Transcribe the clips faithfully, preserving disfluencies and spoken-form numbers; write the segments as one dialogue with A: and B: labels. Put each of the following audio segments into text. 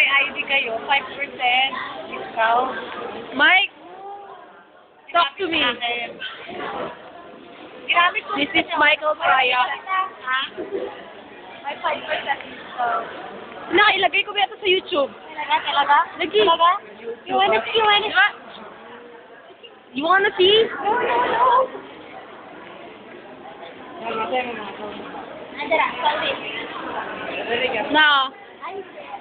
A: may I D kayo, five percent discount.
B: Mike, talk to me.
A: Ginamit ko
B: This is Michael Praya.
A: Ha? May five percent discount.
B: Nakailagay ko ba ito sa YouTube?
A: Talaga? Talaga?
B: Lagi.
A: Talaga? You wanna see? You wanna see?
B: You wanna see?
A: No, no, no. Andara, sorry.
B: No.
A: Ay,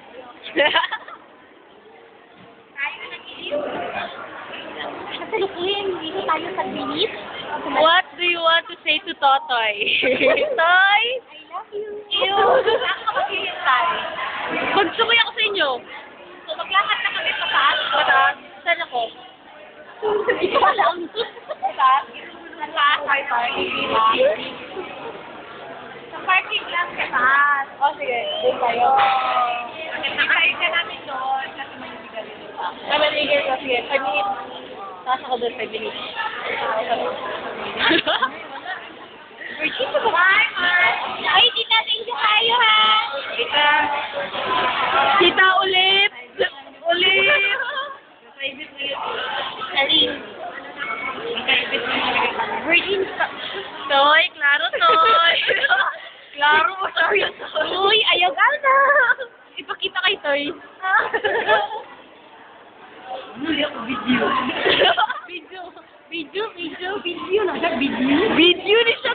A: tayo nag-iip. Kasalukuyan, dito tayo sa bilis.
B: What do you want to say to Totoy? Toy?
A: I love you.
B: Ew.
A: Saan ka maghihintay?
B: Magsumay ako sa inyo.
A: So, maglakad na kami sa taas.
B: Mataas? Saan ako?
A: Hindi ko alam. Sa taas? Sa taas, may parking lang. Sa parking lang sa taas.
B: Oh, sige. Doon tayo.
A: Nakikita ka namin doon kasi may bigay pa.
B: Ay, maligay ko. Sige, five minutes. Taas ako doon, five minutes.
A: Virgin ka ba? Ay, tita, thank you kayo ha.
B: Kita. Kita ulit. Ulit.
A: Alin? Virgin ka.
B: Toy, klaro, Toy. Klaro mo, sorry.
A: Uy, ayaw ka na.
B: Ipakita kay Toy.
A: Muli ako video.
B: Video. Video, video.
A: Video na siya, video.
B: Video ni siya.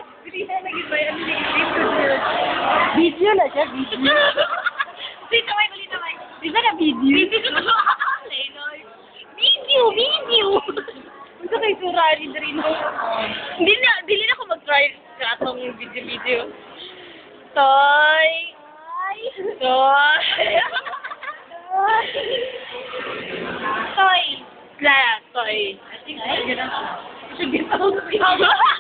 A: Video na siya, video.
B: Dito, may kulit na, may.
A: Di ba na video?
B: Video. Lenoy.
A: Video, video.
B: Ito kay Surari na rin. Hindi na, hindi na ako mag-try sa atong video-video. Toy.
A: Ay.
B: Toy.
A: Toy.
B: Clara, Toy.
A: Ay,
B: Sige, Toy.